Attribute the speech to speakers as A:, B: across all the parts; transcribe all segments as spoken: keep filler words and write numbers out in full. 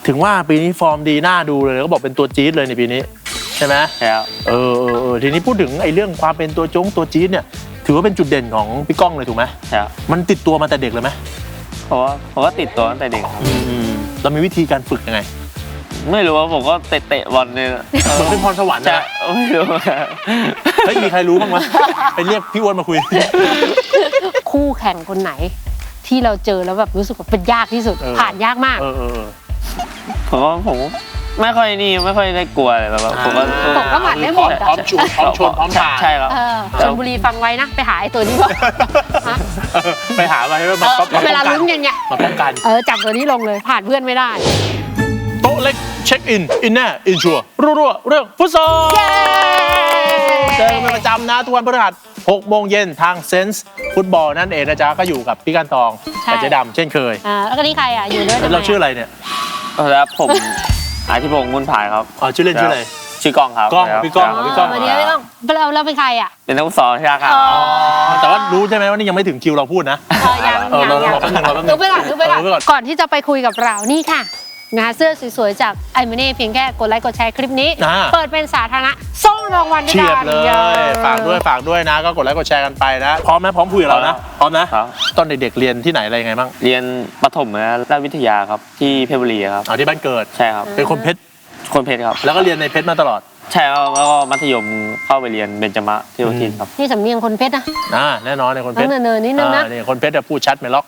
A: ถึงว่าปีนี้ฟอร์มดีน่าดูเลยก็บอกเป็นตัวจี๊ดเลยในปีนี้ใช่ไหม
B: ใช่ครับ
A: เออเออเออทีนี้พูดถึงไอ้เรื่องความเป็นตัวจงตัวจี๊ดเนี่ยถือว่าเป็นจุดเด่นของพี่ก้องเลยถูกไหม
B: ใช่ครับ
A: มันติดตัวมาแต่เด็กเลยไหม
B: เพราะว่าผมก็ติดตัวตั้งแต่เด็กครับ
A: เรามีวิธีการฝึกยังไง
B: ไม่รู้ว่าผมก็เตะเตะบอลเนี่ย
A: เหมือนเป็นพรสวรรค์นะ
B: ไม่รู้
A: เฮ้ยมีใครรู้บ้างไหมไปเรียกพี่อ้วนมาคุย
C: คู่แข่งคนไหนที่เราเจอแล้วแบบรู้สึกว่าเป็นยากที่สุดผ่านยากมาก
B: ผมว่าผมไม่ค่อยนี่ไม่ค่อยได้กลัวเลยแบบผมก็
C: ผมก็หมัดได้หมด
A: พร้อมชวนพร้อมชวนพร้อมทาน
B: ใช่ครับ
C: ชลบุรีฟังไว้นะไปหาไอ้ตัวนี้ก่อน
A: ไปหามาให้มา
C: เวลาลุ้นกันไง
A: มาป้องกัน
C: เออจับตัวนี้ลงเลยผ่านเพื่อนไม่ได้
A: โต๊ะเล็กเช็คอินอินแน่อินชัวร์รัวๆเรื่องฟุตซอลเจอกันเป็นประจำนะทุกวันพฤหัสหกโมงเย็นทางเซนส์ฟุตบอลนั่นเองนะจ๊ะก็อยู่กับพี่กันตองกับเจ๊ดำเช่นเคย
C: อ่าแล้วก็นี่ใครอ่ะอยู่ด้วย
A: เราชื่ออะไรเนี่ย
B: ครับผมอาทิพงษ์มุ่นผายครับ
A: อ๋อชื่อเล่นชื่ออะไร
B: ชื่อกล้องครับ
A: กล้องพี่กล้องพี่กล้อง
C: วันนี้พี่กล้องเราเราเป็นใครอ่ะ
B: เป็นนักฟุตซอลใช่ครับ
A: แต่ว่ารู้ใช่ไหมว่านี่ยังไม่ถึงคิวเราพูดนะ
C: ยังยังยังดูไปก่อนดูไปก่อนก่อนที่จะไปคุยกับเรานี่ค่ะงานเสื้อสวยๆจากไอมาเน่เพียงแค่กดไลค์กดแชร์คลิปนี้เปิดเป็นสาธารณะส่งรางวัลด้วยกัน
A: เลยฝากด้วยฝากด้วยนะก็กดไลค์กดแชร์กันไปนะพร้อมไหมพร้อมคุยกับเรานะพร้อมนะตอนเด็กๆเรียนที่ไหนอะไรยังไงบ้าง
B: เรียนประถมนะราชวิทยาครับที่เพชรบุรีครับ
A: อ๋อที่บ้านเกิด
B: ใช่ครับ
A: เป็นคนเพชร
B: คนเพชรครับ
A: แล้วก็เรียนในเพชรมาตลอด
B: ใช่ครับแล้วก็มัธยมเข้าไปเรียนเบญจมะที่วัดทินครับ
C: นี่สำเนียงคนเพชรนะ
A: อ่าแน่นอนในคนเพชร
C: เนินๆนิดนึงนะ
A: นี่คนเพชรจะพูดชัดไม่ล็อก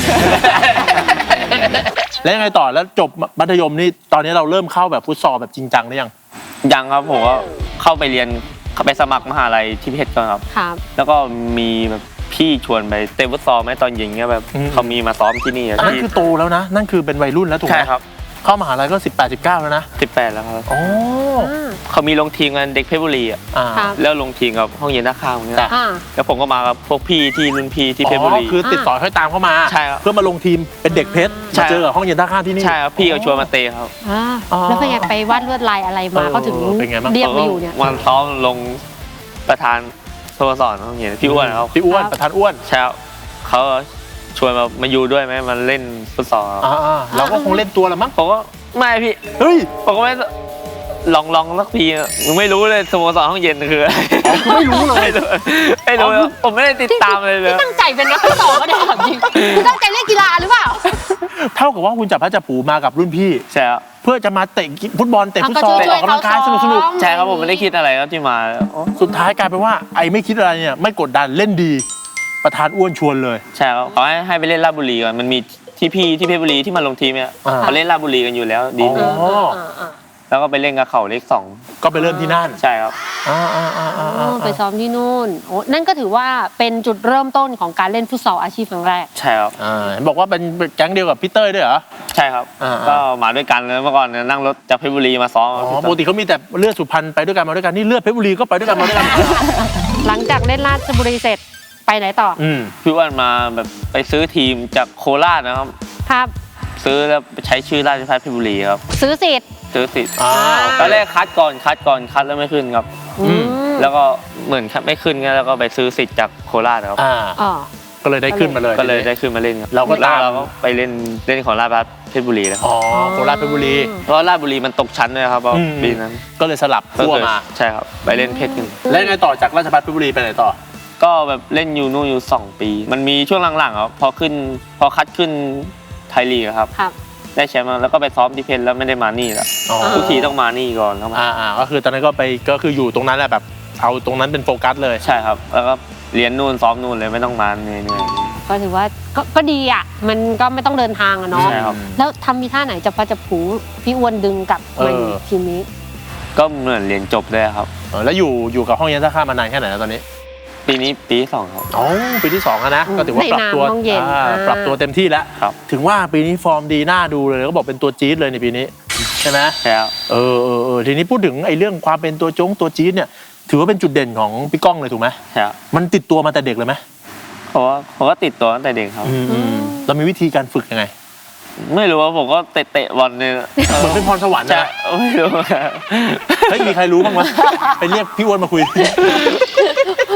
A: แล้วยังไงต่อแล้วจบมัธยมนี่ตอนนี้เราเริ่มเข้าแบบฟุตซอลแบบจริงจังหรือยัง
B: ยังครับผมก็เข้าไปเรียนไปสมัครมหาลัยที่เพชรก่อนครับ
C: ครับ
B: แล้วก็มีแบบพี่ชวนไปเตะฟุตซอลไหมตอนเย็นเงี้ยแบบเขามีมาซ้อมที่นี่
A: นั่นคือโตแล้วนะนั่นคือเป็นวัยรุ่นแล้วถูกไหม
B: ใช่ครับ
A: เข้ามหาลัยก็สิบแปด สิบเก้าแล้วนะ
B: สิบแปดแล้วครับ
A: โอ้
B: เขามีลงทีมกันเด็กเพชรบุรีอ่ะแล้วลงทีมกับห้องเย็นท่าข้าวเงี้ยแล้วผมก็มากับพวกพี่ที่รุ่นพี่ที่เพชรบุรี
A: คือติดต่อให้ตามเข้ามา
B: ใช่ครับ
A: เพื่อมาลงทีมเป็นเด็กเพชรมาเจอกับห้องเย็นท่าข้าวที่นี่
B: ใช่ครับพี่เขาชวนมาเตะครับ
C: แล้วเป็นไงไปวาดลวดลายอะไรมาเขาถึงเรียกมาอยู่เนี่ย
B: วันซ้อมลงประธานสโมสรห้องเย็นพี่อ้วนครับ
A: พี่อ้วนประธานอ้วน
B: ใช่ครับเขาชวนมามาอยู่ด้วยไหมมันเล่นฟุตซอล
A: เราก็คงเล่นตัวละมั้ง
B: ผมก็ไม่พี่
A: เฮ้ย
B: ผมก็ไม่ลองลองสักทีมึงไม่รู้เลยสโมสรห้องเย็นคืออะไร
A: ไม่รู้เลย
B: ไม่รู้ผมไม่ได้ติดตามเลยเลย
C: ตั้งใจเป็นนักฟุตซอลก็ได้ถามจริงคือตั้งใจเล่นกีฬาหรือเปล่า
A: เท่ากับว่าคุณจับพระจับผูมากับรุ่นพี่
B: ใช่ครับ
A: เพื่อจะมาเตะฟุตบอลเตะฟุตซอลออกกำลังกายสนุกสนุก
B: ใช่ครับผมไม่ได้คิดอะไรครับที่มา
A: สุดท้ายกลายเป็นว่าไอ้ไม่คิดอะไรเนี่ยไม่กดดันเล่นดีประธานอ้วนชวนเลย
B: ใช่ครับเขาให้ให้ไปเล่นราชบุรีก่อนมันมีที่พี่ที่เพชรบุรีที่มาลงทีมเนี่ยเขาเล่นราชบุรีกันอยู่แล้วดีแล้วก็ไปเล่นกับเขาเลขสอง
A: ก็ไปเริ่มที่นั่น
B: ใช่ครับ
C: ไปซ้อมที่นู่นโอ้นั่นก็ถือว่าเป็นจุดเริ่มต้นของการเล่นฟุตซอลอาชีพครั้งแรก
B: ใช่ครับ
A: เห็นบอกว่าเป็นแก๊งเดียวกับพี่เต้ยด้วยเหรอ
B: ใช่ครับก็มาด้วยกันเมื่อก่อนนั่งรถจากเพชรบุรีมาซ้อม
A: ปกติเขามีแต่เลือดสุพรรณไปด้วยกันมาด้วยกันนี่เลือดเพชรบุรีก็ไปด้วยกันมาด้วยกัน
C: หลังจากเล่นราชบุรีเสร็จไปไหนต่อ
B: พี่อ้วนมาแบบไปซื้อทีมจากโคราชนะครับ
C: ครับ
B: ซื้อแล้วใช้ชื่อราชภัฏเพชรบุรีครับ
C: ซื้อสิทธิ์
B: ซื้อสิทธิ์ตอนแรกคัดก่อนคัดก่อนคัดแล้วไม่ขึ้นครับแล้วก็เหมือนไม่ขึ้นงั้นแล้วก็ไปซื้อสิทธิ์จากโคราชครับ
A: ก็เลยได้ขึ้นมาเลย
B: ก็เลยได้ขึ้นมาเล่นครับ
A: เราก็
B: เราก็ไปเล่นเล่นของราชภัฏเพชรบุรีแล้ว
A: อ๋อโคราชเพชรบุรี
B: เพราะราชบุรีมันตกชั้นเลยครับปีนั้น
A: ก็เลยสลับขั้วมา
B: ใช่ครับไปเล่นเพชรกัน
A: แล้วไงต่อจากราชภัฏเพชรบุรีไปไหนต่อ
B: ก็แบบเล่นอยู่นู่นอยู่สองปีมันมีช่วงหลังๆครับพอขึ้นพอคัดขึ้นไทยลีกครับได้แชมป์แล้วก็ไปซ้อมที่เพชรแล้วไม่ได้มานี่แล้วทุกทีต้องมานี่ก่อนครับ
A: อ่าอ่าก็คือตอนนั้นก็ไปก็คืออยู่ตรงนั้นแหละแบบเอาตรงนั้นเป็นโฟกัสเลย
B: ใช่ครับแล้วก็เรียนนู่นซ้อมนู่นเลยไม่ต้องมาเหนื่อย
C: ๆก็ถือว่าก็ดีอ่ะมันก็ไม่ต้องเดินทางอะเนาะแล้วทำมีท่าไหนจะพาจะผูพี่อ้วนดึงกลับมาทีมนี้
B: ก็เหมือนเรียนจบเลยครับ
A: แล้วอยู่อยู่กับห้องเย็นท่าข้ามมานานแค่ไหนแล้วตอนนี้
B: ปีนี้ปีที่สองครับ
A: อ๋อปีที่สองนะก็ถือว่าปรับตัวปรับตัวเต็มที่แล้วถึงว่าปีนี้ฟอร์มดีน่าดูเลยก็บอกเป็นตัวจี๊ดเลยในปีนี้ใช่ไหม
B: ใช่ครับ
A: เออเออเออทีนี้พูดถึงไอ้เรื่องความเป็นตัวจงตัวจี๊ดเนี่ยถือว่าเป็นจุดเด่นของพี่ก้องเลยถูกไหม
B: ใช่
A: มันติดตัวมาแต่เด็กเลยไหม
B: เพราะว่าผมก็ติดตัวตั้งแต่เด็กครับ
A: เรามีวิธีการฝึกยังไง
B: ไม่รู้ว่าผมก็เตะเตะบอลเนี่ย
A: เหมือนเป็นพรสวรรค์นะ
B: ไม่รู้
A: เฮ้ยมีใครรู้บ้างไหมไปเรียกพี่อ้วนมาคุย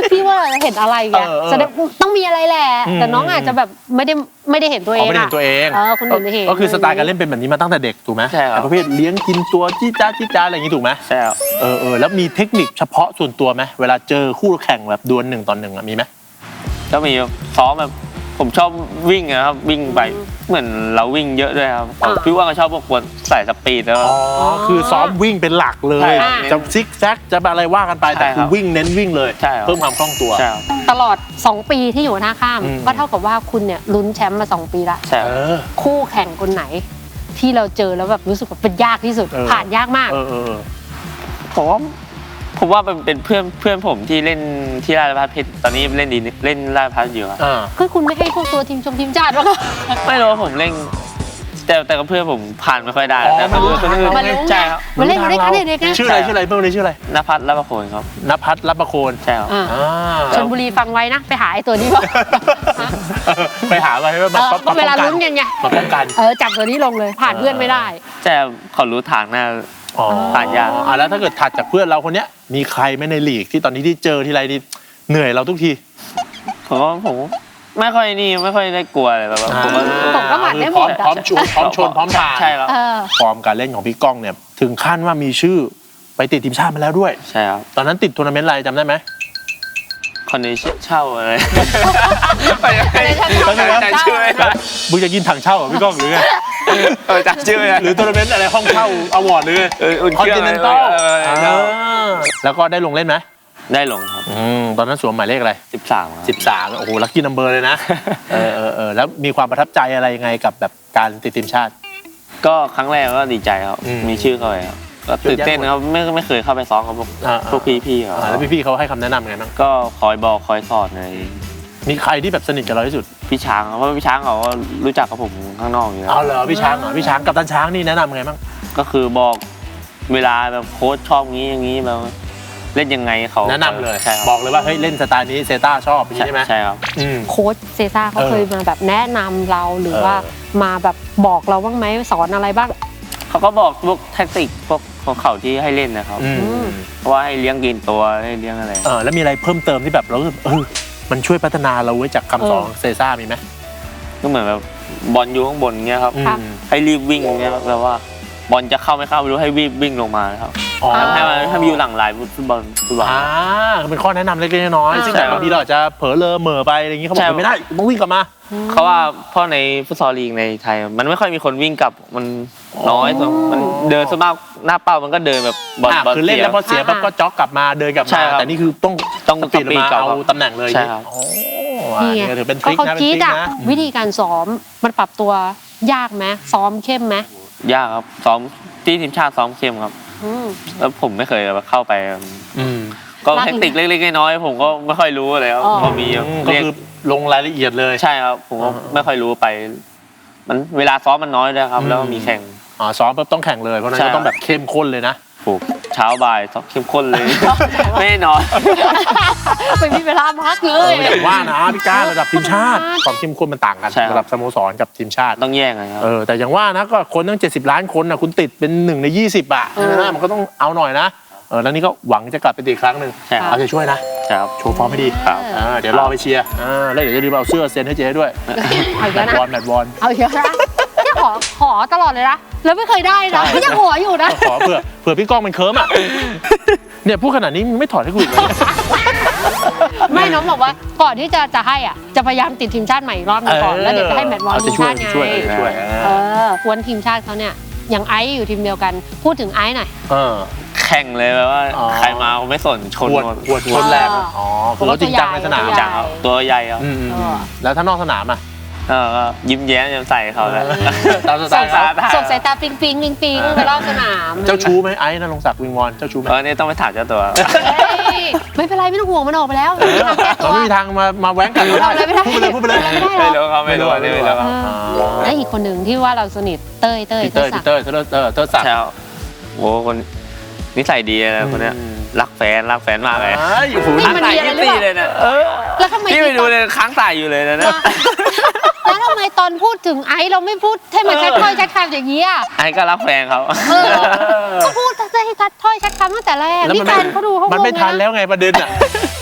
C: พี่ว่าเราจะเห็นอะไรไงแสดงต้องมีอะไรแหละแต่น้องอาจจะแบบไม่ได้ไม่ได้เห็นตัวเอง
A: ไม่ได้เห็นตัวเอง
C: เออคนอื่นไม่เห็น
A: ก็คือสไตล์การเล่นเป็นแบบนี้มาตั้งแต่เด็กถูกไหม
B: ใช่ครับ
A: ประเภทเลี้ยงกินตัวจี้จ้าจี้จ้าอะไรอย่างนี้ถูกไหม
B: ใช่ครับ
A: เออเออแล้วมีเทคนิคเฉพาะส่วนตัวไหมเวลาเจอคู่แข่งแบบดวลหนึ่งต่อหนึ่งมีไหม
B: ก็มีซ้อมแบบผมชอบวิ่งนะครับวิ่งไปเหมือนเราวิ่งเยอะด้วยครับพี่ว่าก็ชอบพวกคนใส่สปีดแล้ว
A: อ๋อคือซ้อมวิ่งเป็นหลักเลยจะซิกแซกจะอะไรว่ากันไปแต่คือวิ่งเน้นวิ่งเลยเพิ่มความคล่องตัว
C: ตลอดสองปีที่อยู่หน้าข้ามก็เท่ากับว่าคุณเนี่ยลุ้นแชมป์มาสองปีละคู่แข่งคนไหนที่เราเจอแล้วแบบรู้สึกว่าเป็นยากที่สุดผ่านยากมาก
B: ผมว่าผมว่าเป็นเพื่อนเพื่อนผมที่เล่นที่ราชภัฏเพชรตอนนี้เล่นดีเล่นราชภัฏอยู่ครับ
C: คือคุณไม่ให้พวกตัวทีมชมทีมชาติหรอ
B: ไม่รู้ผมเล่นแต่แต่กับเพื่อนผมผ่านไม่ค่อยได้แต่
C: มาลุ้น
B: ใช่ครับ
C: มาเล่นมาเล่นกันเด็กๆ
A: ชื่ออะไรชื่ออะไรเพื่อนชื่ออะไร
B: ณภัทรรับประโคนครับ
A: ณภัทรรับประโคน
B: ใช่ครับ
C: ชลบุรีฟังไว้นะไปหาไอ้ตัวนี้ก่อน
A: ไปหาไว้ให้
C: มาเวลาลุ้นกันไง
A: มาป้องกัน
C: เออจับตัวนี้ลงเลยผ่านเพื่อนไม่ได้
B: แต่เขารู้ทางหน้าผ่านยาก
A: อ่าแล้วถ้าเกิดถัดจากเพื่อนเราคนเนี้ยมีใครไหมในลีกที่ตอนนี้ที่เจอทีไรนี่เหนื่อยเราทุกที
B: ผมว่าผมไม่ค่อยนี่ไม่ค่อยได้กลัวอะไรแบบผมก็
C: ผมก็หมัดได้หมด
A: พร้อมชูพร้อมชนพร้อมทาน
B: ใช่ครับ
A: ฟอร์มการเล่นของพี่ก้องเนี่ยถึงขั้นว่ามีชื่อไปติดทีมชาติมาแล้วด้วย
B: ใช่ครับ
A: ตอนนั้นติดทัวร์นาเมนต์อะไรจำได้ไหม
B: คนนี้เช่าอะไร
A: ไปจำชื่อมึงจะกินถังเช่าเหรอพี่ก้องหรือไง
B: จำชื่อ
A: หรือทัวร์นาเมนต์อะไรห้องเช่าอวอร์ดหรือคอนติเนนตัลแล้วก็ได้ลงเล่นไหม
B: ได้ลงครับ
A: ตอนนั้นสวมหมายเลขอะไร
B: สิบสาม
A: สิบสามโอ้โหลัคกี้นัมเบอร์เลยนะเออเออเออแล้วมีความประทับใจอะไรยังไงกับแบบการติดทีมชาติ
B: ก็ครั้งแรกก็ดีใจครับมีชื่อเขาเลยครับก็ตื่นเต้นครับไม่ไม่เคยเข้าไปซ้อมกับพวกพวกพี่ๆครับ
A: แล้วพี่ๆเขาให้คำแนะนำไงบ้าง
B: ก็คอยบอกคอยสอนใน
A: มีใครที่แบบสนิทกับเราที่สุด
B: พี่ช้างเพราะพี่ช้างเขาก็รู้จักกับผมข้างนอกอยู่แล้ว
A: อ๋อเหรอพี่ช้างเหรอพี่ช้างกับตันช้างนี่แนะนำไงบ้าง
B: ก็คือบอกเวลาแบบโค้ชชอบงี้อย่างนี้แบบเล่นยังไงเขา
A: แนะนำเลยบอกเลยว่าเฮ้ยเล่นสไตล์นี้เซต้าชอบใช่ไหม
B: ใช่ครับ
C: โค้ชเซต้าเขาเคยมาแบบแนะนำเราหรือว่ามาแบบบอกเราบ้างไหมสอนอะไรบ้าง
B: เขาก็บอกพวกแท็กติกพวกของเขาที่ให้เล่นนะครับเพราะว่าให้เลี้ยงกินตัวให้เลี้ยงอะไร
A: เออแล้วมีอะไรเพิ่มเติมที่แบบเราเออมันช่วยพัฒนาเราไว้จากคำสอนเซซ่ามีไหม
B: ก็เหมือนแบบบอลอยู่ข้างบนเงี้ยครับให้รีบวิ่งเงี้ยแปลว่าบอลจะเข้าไม่เข้าไม่รู้ให้วิ่งวิ่งลงมาครับให้มันให้มันอยู่หลังลายฟุตบอลฟุตบอล
A: อ่าเป็นข้อแนะนำเล็กๆน้อยๆซึ่งแต่บางทีเราจะเผลอเลอเหม่อไปอะไรอย่างนี้เขาบอกไม่ได้ต้องวิ่งกลับมา
B: เขาว่าเพราะในฟุตซอลลีกในไทยมันไม่ค่อยมีคนวิ่งกลับมันน้อยมันเดินสมากหน้าเป้ามันก็เดินแบบ
A: บอลคือเล่นแล้วพอเสียปั๊บก็จ็อกกลับมาเดินกลับมาแต่นี่คือต้อง
B: ต้อง
A: ปีนมาเอาตำแหน่งเลย
B: ใช่ครับ
A: นี่ถือเป็นทริคนะเป็นทริคนะ
C: วิธีการซ้อมมันปรับตัวยากไหมซ้อมเข้มไหม
B: ยากครับซ้อมที่ทีมชาติซ้อมเข้มครับแล้วผมไม่เคยเข้าไปก็เทคนิคเล็กๆน้อยๆผมก็ไม่ค่อยรู้เลยครับพอมี
A: ก็คือลงรายละเอียดเลย
B: ใช่ครับผมก็ไม่ค่อยรู้ไปมันเวลาซ้อมมันน้อยด้วยครับแล้วมีแข่ง
A: อ๋อซ้อมต้องแข่งเลยเพราะนั้นก็ต้องแบบเข้มข้นเลยนะ
B: ถูกเช้าบ่ายซ้อมเข้มข้นเลยไม่นอน
C: ไม่มีเวลาพักเลย
A: แต่ว่านะพี่ก้าระดับทีมชาติความเข้มข้นมันต่างกันระดับสโมสรกับทีมชาติ
B: ต้องแย่งกันครับ
A: เออแต่อย่างว่านะก็คนตั้งเจ็ดสิบล้านคนนะคุณติดเป็นหนึ่งในยี่สิบอ่ะนะมันก็ต้องเอาหน่อยนะเออแล้วนี่ก็หวังจะกลับไปตีครั้งหนึ่งเอาใจช่วยนะครับโชว์ฟอร์มให้ดีครับเดี๋ยวรอไปเชียร์แล้วเดี๋ยวจะรีบเอาเสื้อเซ็นให้เจ๊ด้วยแมตช์บอลแมตช์บอล
C: เอาเยอะนะขอขอตลอดเลยนะแล้วไม่เคยได้นะยังหัวอยู่นะ
A: ขอเผื่อเผื่อพี่ก้องมันเคิร์มอ่ะเนี่ยพูดขนาดนี้ไม่ถอดให้กูอีกเลย
C: ไม่น้องบอกว่าก่อนที่จะจะให้อ่ะจะพยายามติดทีมชาติใหม่อีกรอบนึงก่อนแล้วเดี๋ยวจะให้แมตช์บอลทีมชาติไงเออวันทีมชาติเขาเนี่ยยังไอซ์อยู่ทีมเดียวกันพูดถึงไอซ์หน่อย
B: แข่งเลยแบบว่าใครมาไม่สนชนหมด
A: ชนแรงอ๋อคือเขาจริงจังในสนาม
B: จังตัวใหญ่ครับ
A: แล้วถ้านอกสนามอ่ะ
B: เออยิ้มแย้มแจ่มใสเขาแล้ว
C: ส่งสายตาส่งสายตาปิ๊งปิ๊งปิ๊งปิ๊งไปรอบสนาม
A: เจ้าชู้ไหมไอ้นรงศักดิ์วิงวอนเจ้าชู้ไหม
B: เออเนี่ยต้องไปถามเจ้าตัว
C: ไม่เป็นไรไม่ต้องห่วงมันออกไปแล้ว
A: เราไม่มีทางมามาแว้งกันเราพูดไปเลยพูดไปเลย
B: ไม่รู้เขาไม่รู้ไม่รู้ครับ
C: และอีกคนหนึ่งที่ว่าเราสนิทเต้ยเต้ย
A: เต้ยเต้ยเต้ยเต้ยเต้ยศักดิ์
B: โอ้คนนิสัยดีนะคนเนี้ยรักแฟนรักแฟนมากเลย
C: ค้างสายยี่
B: ตีเลยนะ
C: แล้วทำไม
B: พี่ไปดูเลยค้างสายอยู่เลยนะ
C: แล้วทำไมตอนพูดถึงไอซ์เราไม่พูดให้มันชัดถ้อยชัดคำอย่างนี้อ่ะ
B: ไอซ์ก็รักแฟนเขา
C: ก็พูดให้ชัดถ้อยชัดคำตั้งแต่แรกนี่การเขาดูเขา
A: มันไม่ทันแล้วไงประเด็นอ่ะ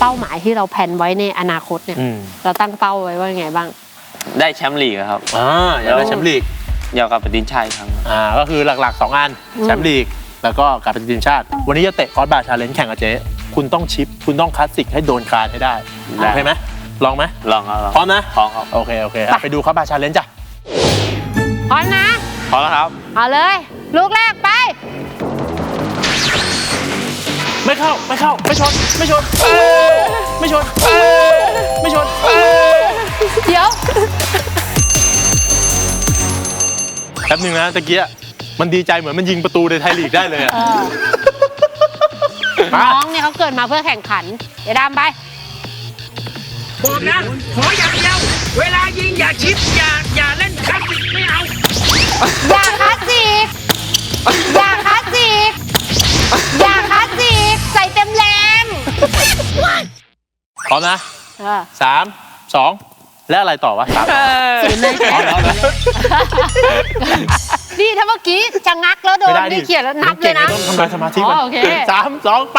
C: เป้าหมายที่เราแผนไว้ในอนาคตเนี่ย
A: อืม
C: เราตั้งเป้าไว้ว่าไงบ้าง
B: ได้แชมป์ลีกครับ
A: อ่าอยากได้แชมป์ลีก
B: อยากกลับไปทีมชาติอีกครั้ง
A: อ่าก็คือหลักๆสองอัน
C: อืม
A: แชมป์ลีกแล้วก็กลับไปทีมชาติ วันนี้จะเตะคอร์สบาร์ชาเลนจ์แข่งกับเจ๊คุณต้องชิป คุณต้องคลาสสิกให้โดนคานให้ได้โอเคไหมลองไหม
B: ลองครับลอง
A: พร้อมนะ
B: พร้อมครับ
A: โอเคโอเคอ่ะไปดูคอร์สบาร์ชาเลนจ์จ้ะ
C: พร้อมนะ
B: พร้อมแล้วครับ
C: เอาเลย ลูกแรกไป
A: ไม่เข้าไม่เข้าไม่ชนไม่ชนเอ้ยไม่ชนเอ้ยไม่ชนเอ้ย
C: เดี๋ยว
A: แป๊บหนึงนะตะเกียมันดีใจเหมือนมันยิงประตูในไทยลีกได้เลยอะ
C: เออ
A: มา
C: น้องเนี่ยเขาเกิดมาเพื่อแข่งขัน เดี๋ยวดำไป
D: บอกนะ ขออย่างเดียว เวลายิงอย่าชิป อย่า อย่าเล่นคลาสสิกไม่เอา
C: อย่าคลาสสิก อย่าคลาสสิก อย่าคลาสสิก ใส่เต็มแรง
A: พร้อมนะ
C: เออ
A: สามสองและอะไรต่อวะสาม
C: ศูนย์เลยแจ๊ค
A: เอาแล้ว
C: นี่ถ้าเมื่อกี้จะงักแล้วโดน
A: ไม่ได้ดิ
C: นี่เขียนแล้วนับเลยนะ
A: ต้องทำลายสมาธิ
C: อ๋
A: มัน
C: อโอเค
A: สามสองไป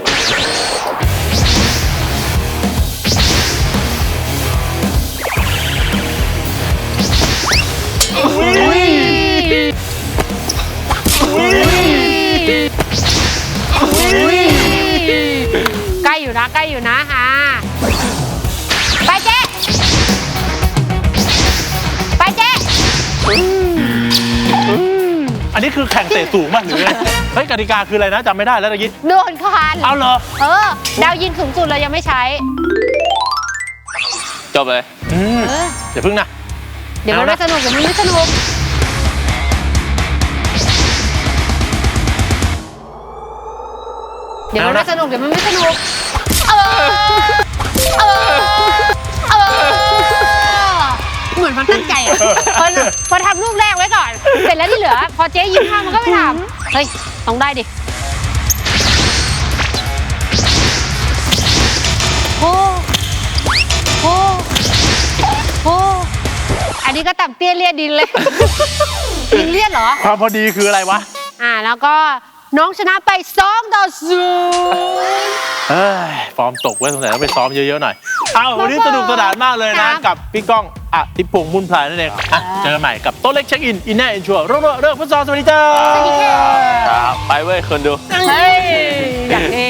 A: อุ้ยอุ้ย
C: ใกล้อยู่นะใกล้อยู่นะฮะไปเจ๊ไปเจ๊
A: อันนี้คือแข่งเตะสูงมากหรือไงเฮ้ยกติกาคืออะไรนะจำไม่ได้แล้วตะกี้
C: โดนคาน
A: เอาเหรอ
C: เออ ดาวยิงสูงสุดเรายังไม่ใช้
B: จบเลย
A: อืม
C: เออ
A: อย่าพึ่งนะ
C: เดี๋ยวมัน
A: เอา
C: ไม่
A: นะ
C: สนุกเดี๋ยวมันไม่สนุก เดี๋ยวมันไม่สนุกเดี๋ยวมันไม่สนุก เออ เออ เออ เหมือนมันตั้งใจอะพอพอทำลูกแรกไว้ก่อน เสร็จแล้วที่เหลือ พอเจ๊ยิงข้ามมันก็ไม่ทำเฮ้ย ต้องได้ดิ โอ้โอ้โอ้อันนี้ก็ต่ำเตี้ยเลียดินเลย ดินเลียดเหรอ
A: ความพอดีคืออะไรวะ
C: อ่า แล้วก็น้องชนะไปสองต่อศูนย์
A: เอ้ยฟอร์มตกไว้ยสงสัยต้องไปซ้อมเยอะๆหน่อย เอาวันนี้สนุกสนานมากเลย
C: ครั
A: นะ
C: บ
A: กับพี่ก้องอ่ะทิพงษ์มุ่นพลายนั่นเองอ่ะเจอกันใหม่กับโต๊ะเล็กเช็คอินอินแน่อินชัวร์เรื่องเรื่องฟุตซอลสวัสดีจ้า
C: สวัสดีค่ะ
B: ครับ ไปเว้ยคนดู
C: เฮ้ย อยากเอ